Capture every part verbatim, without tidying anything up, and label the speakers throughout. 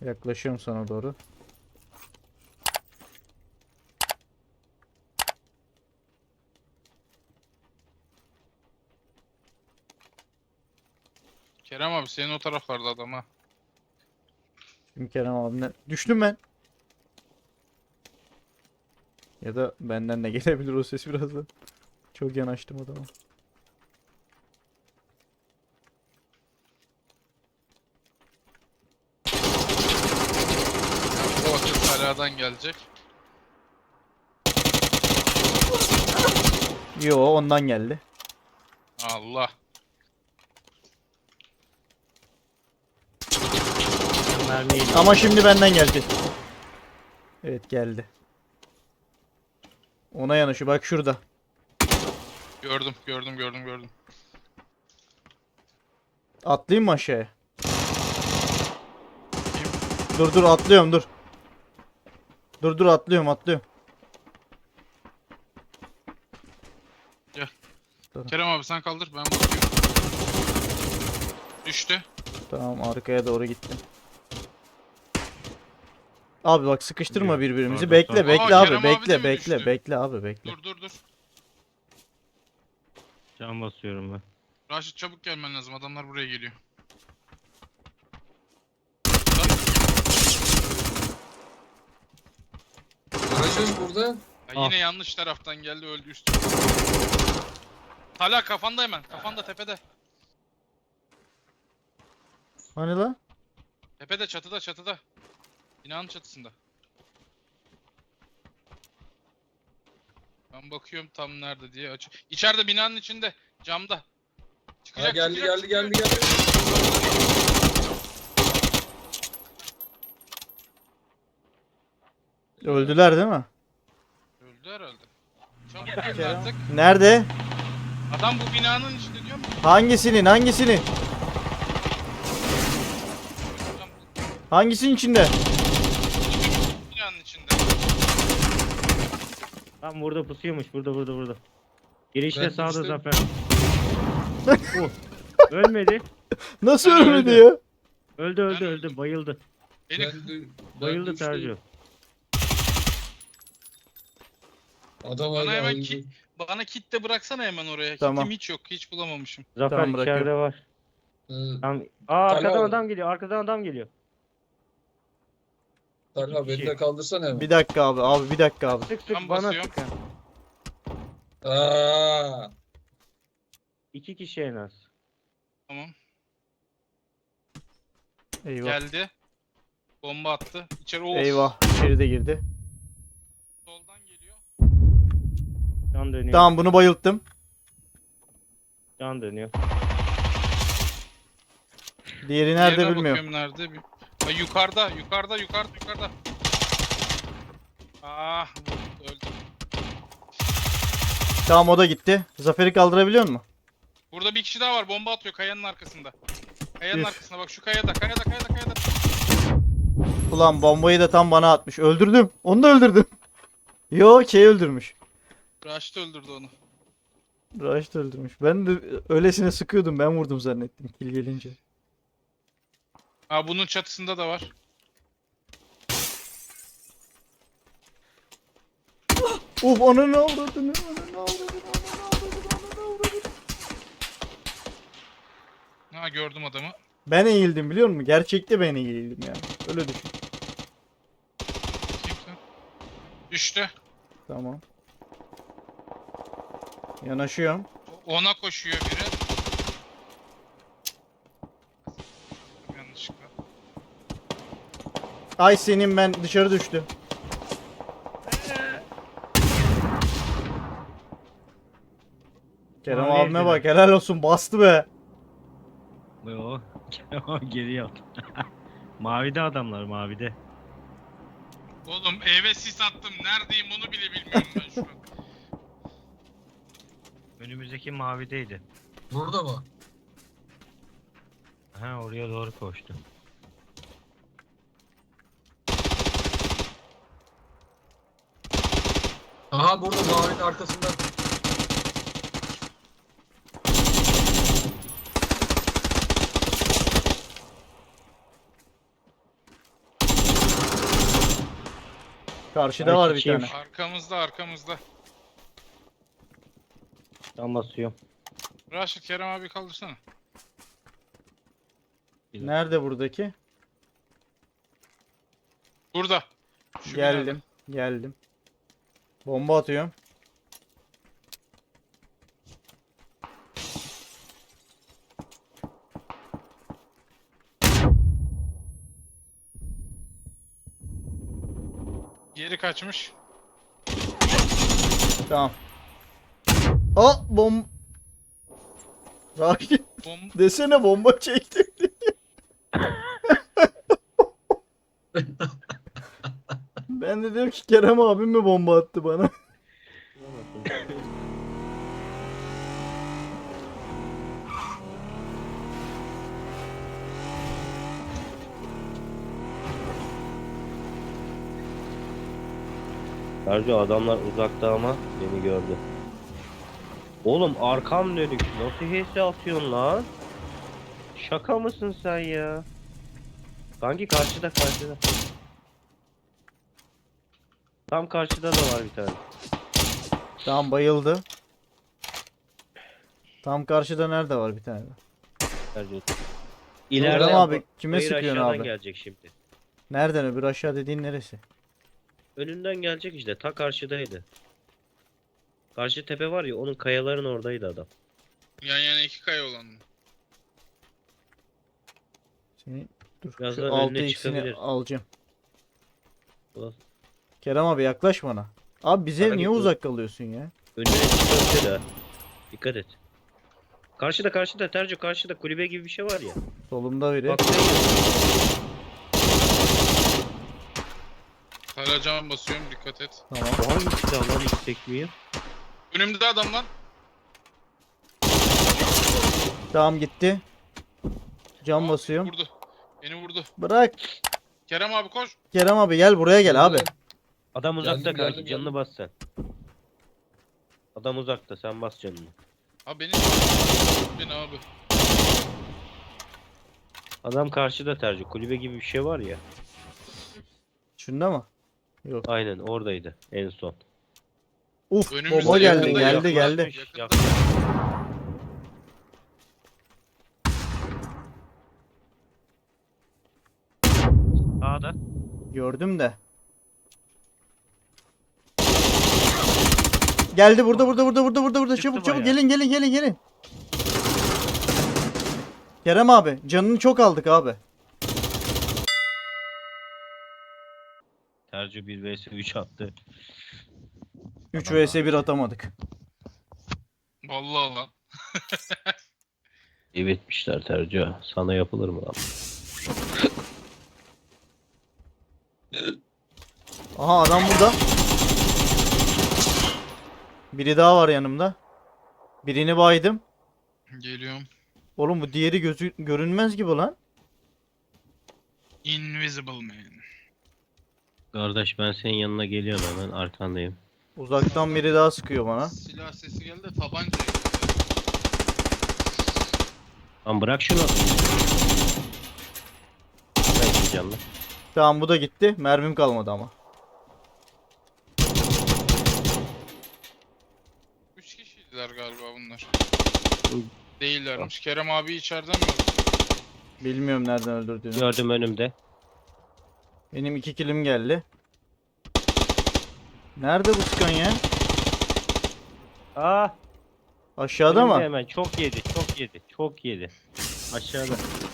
Speaker 1: Yaklaşıyorum sana doğru.
Speaker 2: Kerem abi senin o taraflarda adam ha.
Speaker 1: Şimdi Kerem abimden düştüm ben. Ya da benden de gelebilir o ses birazdan. Çok yanaştım adama.
Speaker 2: Bu vakit haladan gelecek.
Speaker 1: Yo, ondan geldi.
Speaker 2: Allah.
Speaker 3: Mermiyi
Speaker 1: Ama şimdi benden geldi. Evet, geldi. Ona yanaşı bak şurada.
Speaker 2: Gördüm gördüm gördüm gördüm.
Speaker 1: Atlayayım mı aşağıya? Dur dur atlıyorum dur. Dur dur atlıyorum atlıyorum.
Speaker 2: Kerem abi sen kaldır ben bakıyorum. Düştü.
Speaker 1: Tamam, arkaya doğru gittim. Abi bak, sıkıştırma
Speaker 3: Yok,
Speaker 1: birbirimizi.
Speaker 3: orada
Speaker 1: Bekle
Speaker 3: son-
Speaker 1: bekle
Speaker 2: Aa,
Speaker 1: abi,
Speaker 2: Kerem abi de
Speaker 1: bekle
Speaker 2: mi
Speaker 1: bekle
Speaker 2: düştü?
Speaker 1: bekle abi bekle.
Speaker 2: Dur dur dur.
Speaker 3: can basıyorum ben.
Speaker 2: Raşit çabuk gelmen lazım adamlar buraya geliyor.
Speaker 4: Aracın burada.
Speaker 2: Ya
Speaker 3: Ah.
Speaker 2: yine yanlış taraftan geldi öldü üstü. Hala kafanda hemen kafanda tepede.
Speaker 1: Hani lan?
Speaker 2: Tepede çatıda çatıda. Binanın çatısında. Ben bakıyorum tam nerede diye aç. İçeride binanın içinde camda.
Speaker 4: Ha,
Speaker 2: Çıkacak
Speaker 4: geldi
Speaker 2: çıkacak,
Speaker 4: geldi geldi
Speaker 2: çıkıyor.
Speaker 4: geldi.
Speaker 1: Öldüler değil mi?
Speaker 2: Öldü herhalde. Çabuk gelin artık.
Speaker 1: Nerede?
Speaker 2: Adam bu binanın içinde diyorum.
Speaker 1: Hangisinin hangisinin?
Speaker 2: Adam
Speaker 1: Hangisinin içinde?
Speaker 2: bu binanın içinde.
Speaker 3: Tam burada pusuyormuş. Burada burada burada. Girişte
Speaker 4: Ben
Speaker 3: sağda
Speaker 4: düştüm.
Speaker 3: Zafer. Oh. Ölmedi.
Speaker 1: Nasıl
Speaker 2: Ben
Speaker 1: ölmedi
Speaker 3: öldüm.
Speaker 1: ya?
Speaker 3: Öldü öldü
Speaker 2: Ben
Speaker 3: öldü.
Speaker 2: öldüm.
Speaker 3: Bayıldı.
Speaker 2: Beni
Speaker 4: Ben dü- ben
Speaker 3: Bayıldı
Speaker 4: düştüm.
Speaker 3: Tercih.
Speaker 4: Adam
Speaker 2: Bana
Speaker 4: hala
Speaker 2: hemen
Speaker 4: öldü.
Speaker 2: ki- bana kit de bıraksana hemen oraya.
Speaker 1: Tamam.
Speaker 2: Kitim hiç yok. Hiç bulamamışım.
Speaker 3: Zafer
Speaker 1: Tamam, bırakıyorum.
Speaker 3: içeride var.
Speaker 4: Hı,
Speaker 3: Tam... Aa arkadan
Speaker 4: Talha-
Speaker 3: adam geliyor. Arkadan adam geliyor.
Speaker 4: Talha beni de kaldırsana hemen.
Speaker 1: Bir dakika abi, abi bir dakika abi.
Speaker 3: Sık sık
Speaker 2: Ben
Speaker 3: bana
Speaker 2: basıyorum.
Speaker 3: sık. ha.
Speaker 4: Aa,
Speaker 3: İki kişi en az.
Speaker 2: Tamam.
Speaker 1: Eyvah.
Speaker 2: Geldi. Bomba attı. İçeri of.
Speaker 1: Eyvah, içeri de girdi.
Speaker 2: Soldan geliyor.
Speaker 3: Can dönüyor.
Speaker 1: Tamam, bunu bayılttım.
Speaker 3: Can dönüyor.
Speaker 1: Diğeri nerede
Speaker 2: Diğerine
Speaker 1: bilmiyorum.
Speaker 2: bakıyorum nerede. Bir- Ha, yukarıda, yukarıda, yukarıda, yukarıda. Ah, öldü.
Speaker 1: Tamam, o da gitti. Zafer'i kaldırabiliyor musun?
Speaker 2: Burada bir kişi daha var. Bomba atıyor kayanın arkasında. Kayanın
Speaker 1: Üf.
Speaker 2: arkasında bak şu kayada, kayada, kayada, kayada.
Speaker 1: Ulan, bombayı da tam bana atmış. Öldürdüm. Onu da öldürdüm. Yo, şey öldürmüş.
Speaker 2: Raşit öldürdü onu.
Speaker 1: Raş da öldürmüş. Ben de öylesine sıkıyordum. Ben vurdum zannettim kill gelince.
Speaker 2: Ha bunun çatısında da var.
Speaker 1: Uf, ona ne avradını, ona ne avradını, ona ne avradını, ona ne avradını.
Speaker 2: Ha gördüm adamı.
Speaker 1: Ben eğildim biliyor musun? Gerçekte ben eğildim yani. Öyle düşün.
Speaker 2: Kimse. Düştü.
Speaker 1: Tamam. Yanaşıyorum.
Speaker 2: Ona koşuyor biri. Yanlışlıkla.
Speaker 1: Ay senin, ben dışarı düştü. Kerem
Speaker 3: Mavi
Speaker 1: abime
Speaker 3: evdeler.
Speaker 1: bak, helal olsun, bastı be.
Speaker 3: O geri yat. Mavide adamlar mavide.
Speaker 2: Oğlum eve sis attım. Neredeyim onu bile bilmiyorum ben şu an.
Speaker 3: Önümüzdeki mavideydi.
Speaker 4: burada mı?
Speaker 3: Ha oraya doğru koştu.
Speaker 4: Aha burada mavinin arkasında.
Speaker 1: Karşıda
Speaker 3: Ben
Speaker 1: var bir
Speaker 3: şişeyim.
Speaker 1: tane.
Speaker 2: Arkamızda arkamızda.
Speaker 3: Tam basıyorum.
Speaker 2: Raşit Kerem abi kaldırsana.
Speaker 1: Nerede buradaki?
Speaker 2: Burada. Şu binada.
Speaker 1: Geldim. Geldim. Bomba atıyorum.
Speaker 2: Geri kaçmış.
Speaker 1: Tamam. Aa bom. Rakip
Speaker 2: Bom
Speaker 1: desene bomba çektim. Ben de diyorum ki Kerem abim mi bomba attı bana?
Speaker 3: Sergio adamlar uzakta ama beni gördü. Oğlum arkam dönük. Nasıl H S atıyorsun lan? Şaka mısın sen ya? Kanki karşıda karşıda. Tam karşıda da var bir tane.
Speaker 1: Tamam bayıldı. Tam karşıda nerede var bir tane?
Speaker 3: Sergio.
Speaker 1: Kerem
Speaker 3: İleride
Speaker 1: abi kime
Speaker 3: hayır,
Speaker 1: sıkıyorsun
Speaker 3: aşağıdan
Speaker 1: abi?
Speaker 3: gelecek şimdi.
Speaker 1: Nereden öbür aşağı dediğin neresi?
Speaker 3: Önünden gelecek işte. Ta karşıdaydı. Karşı tepe var ya onun kayaların oradaydı adam.
Speaker 2: yan yana iki kaya olan mı?
Speaker 1: Seni dur
Speaker 3: Birazdan
Speaker 1: şu
Speaker 3: önüne
Speaker 1: altı x'ini
Speaker 3: çıkabilir.
Speaker 1: alacağım.
Speaker 3: Ulan,
Speaker 1: Kerem abi yaklaş bana. Abi bize
Speaker 3: Bana
Speaker 1: niye
Speaker 3: git
Speaker 1: uzak kalıyorsun ya?
Speaker 3: önüne çıkabilir ha. Dikkat et. Karşıda karşıda Terco karşıda kulübe gibi bir şey var ya.
Speaker 1: Solumda biri.
Speaker 3: Bak
Speaker 2: Hala cam basıyorum dikkat et.
Speaker 1: Tamam.
Speaker 3: o hangi silah lan hiç sekmiyor?
Speaker 2: Önümde adam lan.
Speaker 1: Tamam gitti. Cam
Speaker 2: Aa,
Speaker 1: basıyorum.
Speaker 2: Vurdu. Beni vurdu.
Speaker 1: Bırak.
Speaker 2: Kerem abi koş.
Speaker 1: Kerem abi gel buraya gel abi.
Speaker 3: Adam uzakta
Speaker 4: Geldim,
Speaker 3: kanki
Speaker 4: geldim,
Speaker 3: canını
Speaker 4: geldim.
Speaker 3: bas sen. Adam uzakta sen bas canını.
Speaker 2: Abi beni beni abi.
Speaker 3: Adam karşıda Terco kulübe gibi bir şey var ya.
Speaker 1: Şunda mı? Yok.
Speaker 3: Aynen oradaydı en son.
Speaker 1: Uf
Speaker 2: Önümüzde
Speaker 1: bomba geldi
Speaker 2: yakında,
Speaker 1: geldi
Speaker 2: yakında.
Speaker 1: geldi.
Speaker 2: Yakında.
Speaker 3: Yakın. Sağda.
Speaker 1: Gördüm de. Geldi burada burada burada burada burada burada
Speaker 3: Çıktı
Speaker 1: çabuk çabuk
Speaker 3: bayağı.
Speaker 1: gelin gelin gelin gelin. Kerem abi canını çok aldık abi.
Speaker 3: Terco bir vs üç attı.
Speaker 1: üç vs bir atamadık.
Speaker 2: Vallahi lan.
Speaker 3: Evet Terco. Sana yapılır mı lan?
Speaker 1: Aha adam burada. Biri daha var yanımda. Birini baydım.
Speaker 2: Geliyorum.
Speaker 1: Oğlum bu diğeri gözü görünmez gibi lan.
Speaker 2: Invisible man.
Speaker 3: Kardeş ben senin yanına geliyorum hemen arkandayım.
Speaker 1: Uzaktan biri daha sıkıyor bana.
Speaker 2: Silah sesi geldi tabanca.
Speaker 3: Lan bırak şunu. Ben canlı.
Speaker 1: Tamam bu da gitti. Mermim kalmadı ama.
Speaker 2: Üç kişiydiler galiba bunlar.
Speaker 3: Hı.
Speaker 2: Değillermiş. Kerem abi içeriden mi öldü?
Speaker 1: Bilmiyorum nereden öldürdüğünü.
Speaker 3: Gördüm önümde.
Speaker 1: Benim iki kilim geldi. Nerede bu sıkan ya?
Speaker 3: Aa,
Speaker 1: Aşağıda
Speaker 3: önümde
Speaker 1: mı?
Speaker 3: hemen çok yedi, çok yedi, çok yedi. Aşağıda.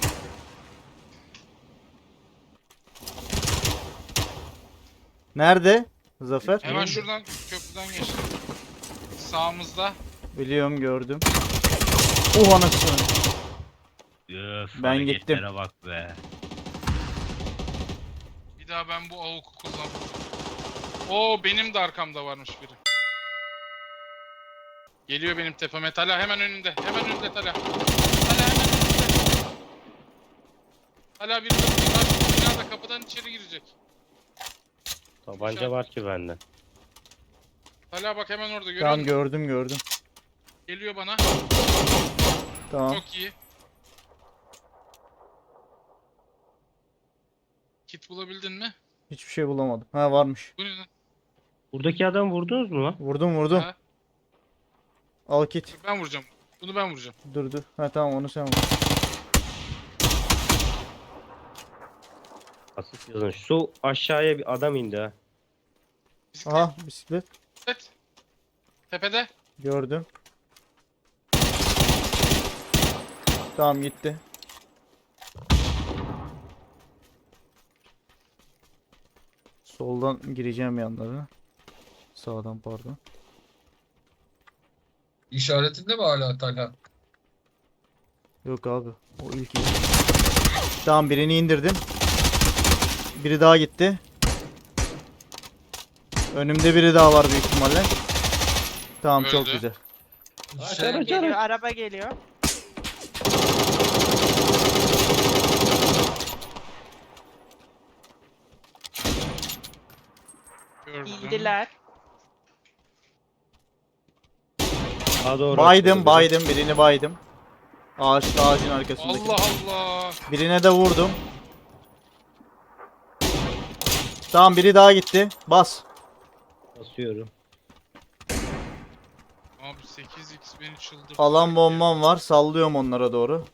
Speaker 1: Nerede? Zafer?
Speaker 2: Hemen şuradan köprüden geçti. Sağımızda.
Speaker 1: Biliyorum gördüm. Oh anasını.
Speaker 3: Öf,
Speaker 1: Ben gittim.
Speaker 3: hareketlere bak be.
Speaker 2: Bir daha ben bu avuku kullanmam. Oo benim de arkamda varmış biri. Geliyor benim tepeme. Tala hemen önünde. Hemen önünde Tala. Tala hemen önünde. Tala bir de binada kapıdan içeri girecek.
Speaker 3: Tabanca var ki bende.
Speaker 2: Tala bak hemen orada görüyor
Speaker 1: Tamam
Speaker 2: musun?
Speaker 1: gördüm gördüm.
Speaker 2: Geliyor bana.
Speaker 1: Tamam.
Speaker 2: Çok iyi. Kit bulabildin mi?
Speaker 1: Hiçbir şey bulamadım. Ha varmış.
Speaker 2: Bu ne lan?
Speaker 3: Buradaki adam vurdunuz mu lan?
Speaker 1: Vurdum vurdum.
Speaker 2: Ha,
Speaker 1: Al kit.
Speaker 2: ben vuracağım. Bunu ben vuracağım.
Speaker 1: Dur dur. Ha tamam onu sen vur.
Speaker 3: Asist yazın. Su aşağıya bir adam indi ha.
Speaker 2: Bisiklet.
Speaker 1: Aha bisiklet.
Speaker 2: bisiklet. Tepede.
Speaker 1: Gördüm. Tamam gitti. Soldan gireceğim yanlarına. Sağdan pardon.
Speaker 4: İşaretinde mi hala Talha?
Speaker 1: Yok abi. O ilk iyi. Tamam birini indirdim. Biri daha gitti. Önümde biri daha var büyük ihtimalle. Tamam çok
Speaker 2: Öldü.
Speaker 1: güzel.
Speaker 4: Şey,
Speaker 5: Geliyor, araba geliyor.
Speaker 2: Gördüm.
Speaker 5: İndiler.
Speaker 3: Sağa doğru
Speaker 1: Baydım
Speaker 3: atladı
Speaker 1: baydım birini baydım. Ağaç ağacın arkasındaki.
Speaker 2: Allah Allah.
Speaker 1: Birine de vurdum. Tamam biri daha gitti. Bas.
Speaker 3: biri. Basıyorum.
Speaker 2: Abi sekiz x beni çıldırttı.
Speaker 1: Alan bombam var. Sallıyorum onlara doğru.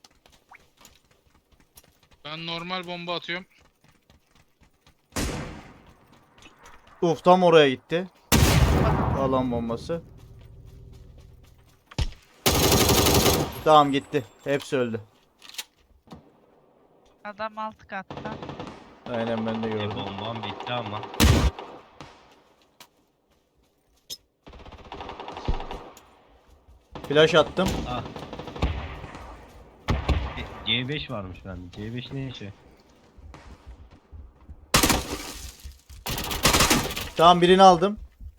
Speaker 2: Ben normal bomba atıyorum.
Speaker 1: Uf tam oraya gitti. Alan bombası. Tamam gitti. Hepsi öldü.
Speaker 5: Adam alt katta.
Speaker 1: Aynen ben de
Speaker 3: E,
Speaker 1: gördüm.
Speaker 3: bombam bitti ama.
Speaker 1: Flash attım.
Speaker 3: Ah. E, C beş varmış bende. C beş ne işi?
Speaker 1: Tamam birini aldım.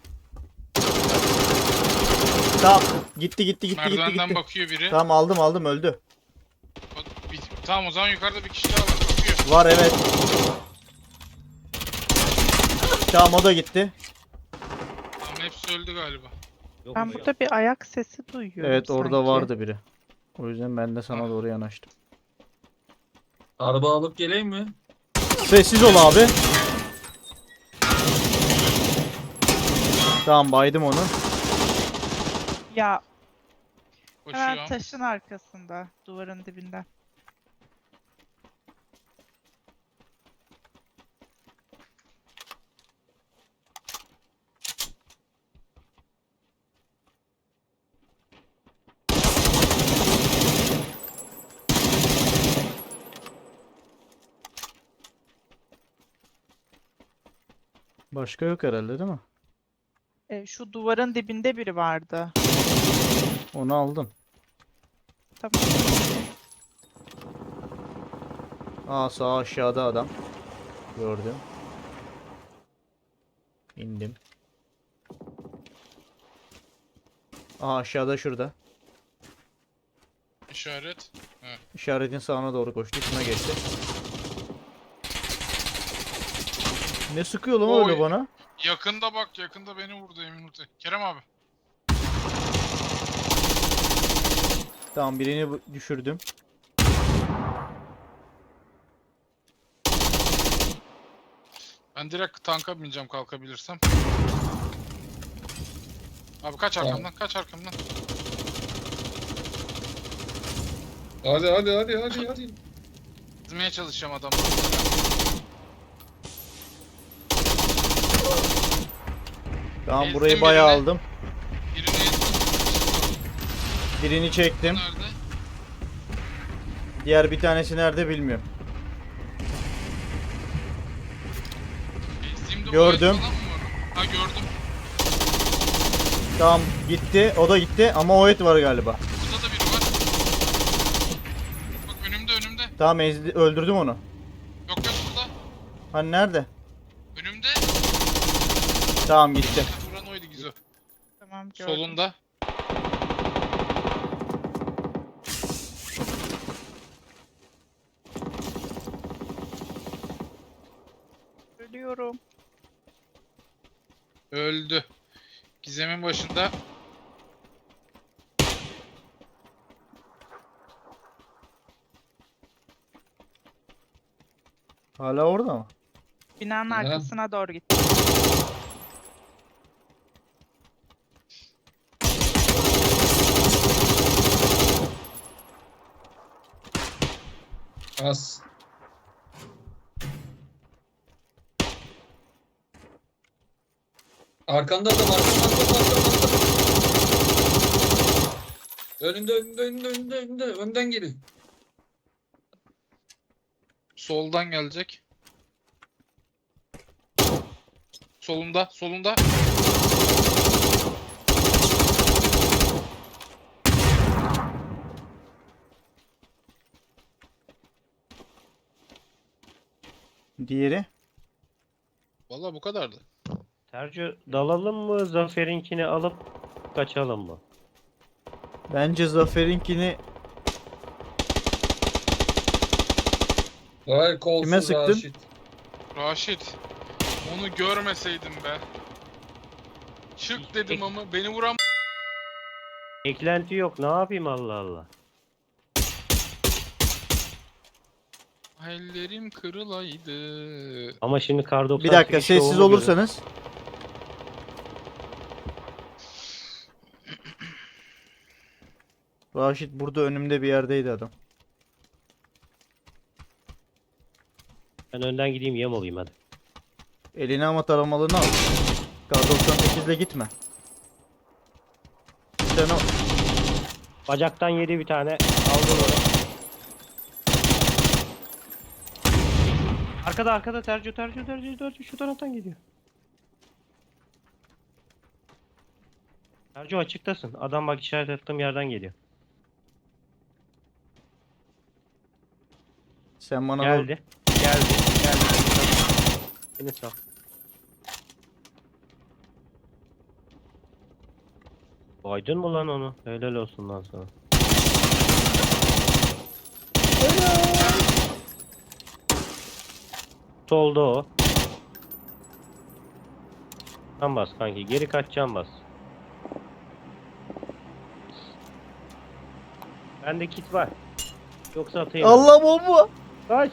Speaker 1: Tamam gitti gitti gitti gitti
Speaker 2: Merdivenden
Speaker 1: gitti.
Speaker 2: bakıyor biri.
Speaker 1: Tamam aldım aldım öldü.
Speaker 2: Bak, bir- tamam o zaman yukarıda bir kişi daha var bakıyor.
Speaker 1: Var evet. Tamam o da gitti.
Speaker 2: Tamam hepsi öldü galiba.
Speaker 3: Yok
Speaker 5: Ben
Speaker 3: mu?
Speaker 5: burada bir ayak sesi duyuyorum
Speaker 1: Evet orada
Speaker 5: sanki.
Speaker 1: vardı biri. O yüzden ben de sana doğru yanaştım.
Speaker 4: araba alıp geleyim mi?
Speaker 1: Sessiz ol abi. Tamam baydım onu.
Speaker 5: Ya
Speaker 2: Koşuyor.
Speaker 5: hemen taşın arkasında. Duvarın dibinde.
Speaker 1: Başka yok herhalde değil mi?
Speaker 5: E, şu duvarın dibinde biri vardı.
Speaker 1: Onu aldım.
Speaker 5: Tamam.
Speaker 1: Aa sağ aşağıda adam. Gördüm. İndim. Aa aşağıda şurada.
Speaker 2: İşaret.
Speaker 1: İşaretin sağına doğru koştu. Şuna geçti. Ne sıkıyor lan öyle
Speaker 2: Oy.
Speaker 1: bana?
Speaker 2: Yakında bak yakında beni vurdu Emin Ute. Kerem abi.
Speaker 1: Tamam birini bu- düşürdüm.
Speaker 2: Ben direkt tanka bineceğim kalkabilirsem. Abi kaç
Speaker 4: Tamam.
Speaker 2: arkamdan kaç arkamdan.
Speaker 4: Hadi hadi hadi hadi hadi.
Speaker 2: Gitmeye çalışacağım adamı.
Speaker 1: Tamam
Speaker 2: Ezdim
Speaker 1: burayı bayağı
Speaker 2: birini.
Speaker 1: aldım.
Speaker 2: Birini ezdim.
Speaker 1: Birini çektim.
Speaker 2: Nerede?
Speaker 1: Diğer bir tanesi nerede bilmiyorum.
Speaker 2: Ezdiğimde
Speaker 1: Gördüm.
Speaker 2: o et falan mı var? Ha gördüm.
Speaker 1: Tamam gitti. O da gitti ama o et var galiba.
Speaker 2: Burada da biri var. Bak önümde önümde.
Speaker 1: Tamam ezdi, öldürdüm onu.
Speaker 2: Yok yok burada.
Speaker 1: Hani nerede?
Speaker 2: Önümde.
Speaker 1: Tamam gitti.
Speaker 2: Vuran oydu Gizo.
Speaker 5: Tamam gördüm.
Speaker 2: Solunda.
Speaker 5: Ölüyorum.
Speaker 2: Öldü. Gizem'in başında.
Speaker 1: Hala orada mı?
Speaker 5: Binanın
Speaker 4: Aha.
Speaker 5: arkasına doğru gitti.
Speaker 4: Az. Arkanda adam, arkanda arkanda arkanda. Önünde önünde önünde önünde önünde önden geliyor.
Speaker 2: Soldan gelecek. Solunda, solunda.
Speaker 1: Diğeri.
Speaker 2: Vallahi bu kadardı.
Speaker 3: Tercih dalalım mı? Zafer'inkini alıp kaçalım mı?
Speaker 1: Bence Zafer'inkini
Speaker 4: Vay kolsuz
Speaker 1: Kime sıktın?
Speaker 4: Raşit.
Speaker 2: Raşit. Onu görmeseydim be. Çık dedim ama beni vuran
Speaker 3: Eklenti yok. Ne yapayım Allah Allah.
Speaker 2: ellerim kırılaydı.
Speaker 3: Ama şimdi kar doksan
Speaker 1: bir dakika
Speaker 3: sekiz
Speaker 1: sessiz
Speaker 3: şovunu
Speaker 1: olursanız. Raşit burada önümde bir yerdeydi adam.
Speaker 3: Ben önden gideyim yem olayım hadi.
Speaker 1: Eline ama taramalını al. Kar doksan sekiz ile gitme. Sen o
Speaker 3: Bacaktan yedi bir tane. Aldım onu. Arkada arkada Tercih Tercih Tercih Tercih şu taraftan geliyor. Tercih açıktasın. Adam bak işaret ettiğim yerden geliyor.
Speaker 1: sen bana doğru-
Speaker 3: Geldi. Geldi. Geldi. Beni sal. Baydın mı lan onu? Helal olsun lan sana. Solda o. Can bas kanki. Geri kaç can bas. Bende kit var. Yoksa atayım.
Speaker 1: Allah bomba.
Speaker 3: Kaç.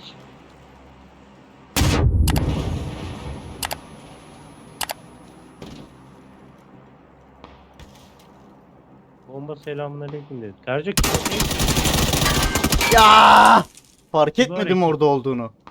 Speaker 3: Bomba selamünaleyküm dedi. Tercih
Speaker 1: Ya! Fark
Speaker 3: Mübarek.
Speaker 1: etmedim orada olduğunu.